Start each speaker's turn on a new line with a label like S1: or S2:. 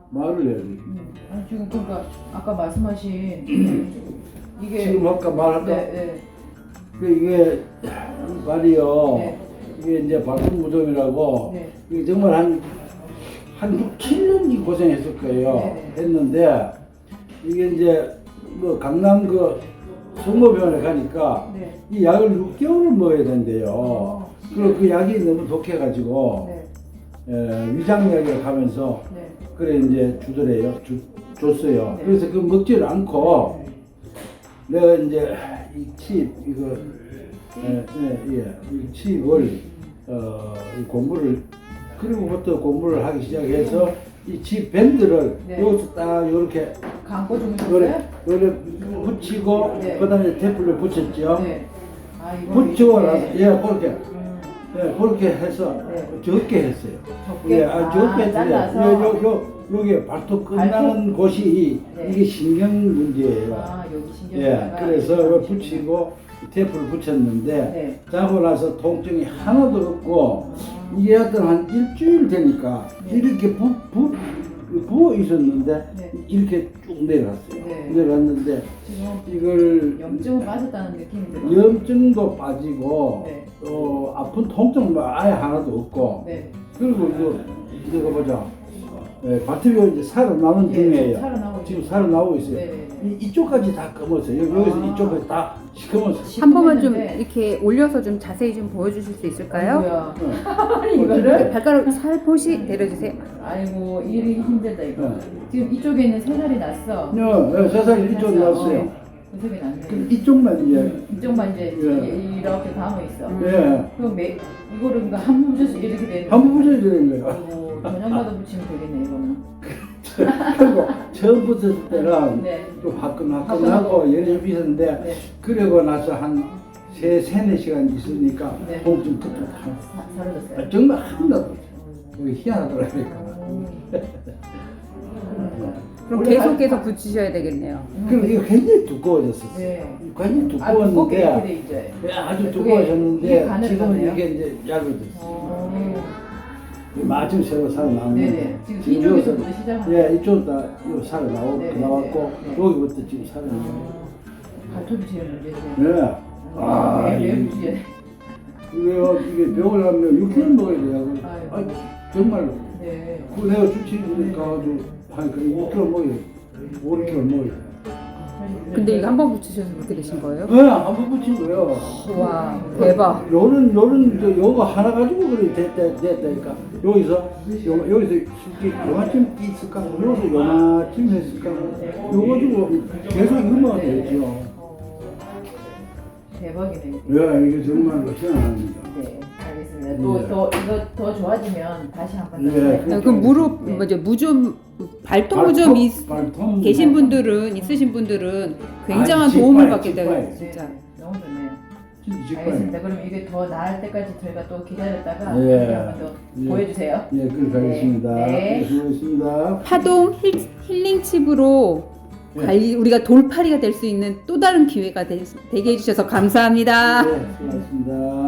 S1: 말을 해야지.
S2: 아니 지금 그러니까 아까 말씀하신 이게
S1: 지금 아까 말할까?
S2: 네.
S1: 이게 말이요.
S2: 네.
S1: 이게 이제 발톱무좀이라고
S2: 네.
S1: 이게 정말 한 6, 7년이 고생했을 거예요.
S2: 네.
S1: 했는데 이게 이제 뭐 강남 그 성모병원에 가니까
S2: 네.
S1: 이 약을 6개월을 먹어야 된대요. 그리고 그 약이 너무 독해가지고
S2: 네.
S1: 위장약을 가면서
S2: 네.
S1: 그래 이제 주더래요. 줬어요.
S2: 네.
S1: 그래서 그 먹지를 않고 내가 이제 이 칩 이거 이 칩을 이 공부를 그리고부터 공부를 하기 시작해서 이 칩 밴드를
S2: 네.
S1: 여기서 딱 이렇게
S2: 광고 주무셨어요?
S1: 요래 붙이고
S2: 네.
S1: 그다음에 테이프를 붙였죠.
S2: 네. 아 이거
S1: 붙이고 나서
S2: 네.
S1: 그렇게 그렇게 해서
S2: 네.
S1: 적게 했어요.
S2: 적게?
S1: 적게 했어요.
S2: 잘라서?
S1: 요게 발톱 끝나는 곳이
S2: 네.
S1: 이게 신경 문제예요.
S2: 아 여기 신경이
S1: 그래서 이거 붙이고 테이프를 붙였는데
S2: 네.
S1: 자고 나서 통증이 하나도 없고 이게 어떤 한 일주일 되니까
S2: 네.
S1: 이렇게 부어 있었는데
S2: 네.
S1: 이렇게 쭉 내려갔어요.
S2: 네.
S1: 내려갔는데
S2: 지금
S1: 이걸
S2: 염증은 빠졌다는 느낌이 들어요.
S1: 염증도 빠지고
S2: 네.
S1: 아픈 통증도 아예 하나도 없고
S2: 네.
S1: 그리고 이거 보자. 발톱이 이제 살아나는 중이에요.
S2: 살아나고
S1: 지금 살아나고 있어요.
S2: 네.
S1: 이쪽까지 다 검었어요. 여기서 이쪽까지 다 시커멓어요.
S3: 한 번만 좀
S2: 시커멓는데.
S3: 이렇게 올려서 좀 자세히 좀 보여주실 수 있을까요?
S2: 아이고야. 이거를?
S3: 발가락 살포시 내려주세요.
S2: 아이고 일이 힘들다 이거.
S1: 네.
S2: 지금 이쪽에 있는 세 살이 났어.
S1: 세상에 이쪽 났어요.
S2: 구석이 났네.
S1: 그 이쪽만 이제
S2: 이쪽만 이제
S1: 예.
S2: 이렇게 감아 있어. 그럼 이거를 그러니까 한 번 붙여서 이렇게 되는.
S1: 한번 붙여야 되는 거예요.
S2: 아이고 저녁마다 붙이면 되겠네 이거는.
S1: 그리고 처음 붙였을 때는
S2: 네.
S1: 좀 화끈하고 열심히 있었는데
S2: 네.
S1: 그러고 나서 한 세네 시간 있으니까
S2: 네.
S1: 통증 그때
S2: 사라졌어요.
S1: 정말 하나도 여기 희한하더라고요.
S3: 그럼 계속 붙이셔야 되겠네요.
S1: 그리고 이거 굉장히 두꺼워졌었어요.
S2: 네.
S1: 굉장히
S2: 두껍게 이렇게
S1: 두꺼웠는데
S2: 돼 이제.
S1: 아주
S2: 그게
S1: 두꺼워졌는데
S2: 가늘어졌네요.
S1: 지금은 이게 이제 얇아졌어요. 마침 새로 살아나왔는데
S2: 네네. 지금 이쪽에서부터 시작하는.
S1: 예, 이쪽 다 이거 살아나왔고
S2: 네네네.
S1: 나왔고 여기부터 지금 살아나고.
S2: 발톱이 제일 문제죠.
S1: 네.
S2: 매일 문제.
S1: 이게 병을 가면 6kg 먹어야 돼요.
S2: 아이고.
S1: 정말로.
S2: 네.
S1: 그 내가 주치니까 가지고 한 그래 6kg 먹어요. 5kg 먹어요.
S3: 근데 이거 한 번 붙이셔서 그렇게 되신 거예요?
S1: 네, 한번 붙인 거예요.
S3: 와 대박.
S1: 요런 요거 하나 가지고 그래 됐다니까. 여기서 쉽게 요만큼 있을까? 여기서 요만큼 했을까? 요거 가지고 계속 이거만 되죠.
S2: 대박이네.
S1: 네, 이게 정말로 희한합니다.
S2: 네, 알겠습니다. 또 이거 더 좋아지면 다시 한번 더.
S1: 네,
S2: 네.
S3: 그 무릎 무좀 발톱 무좀
S1: 발톱
S3: 계신 분들은 있으신 분들은 굉장한
S1: 아니,
S3: 도움을
S1: 직발,
S3: 받게 돼요.
S1: 직발.
S3: 진짜.
S2: 너무 좋네요.
S1: 진짜
S2: 알겠습니다. 그럼 이게 더 나을 때까지 저희가 또 기다렸다가
S1: 예.
S2: 다시 한번 더
S1: 예.
S2: 보여주세요.
S1: 예, 그렇게 하겠습니다.
S2: 네.
S1: 수고하셨습니다.
S3: 파동 힐링 칩으로 우리가 돌팔이가 될 수 있는 또 다른 기회가 되게 해주셔서 감사합니다.
S1: 네, 수고하셨습니다.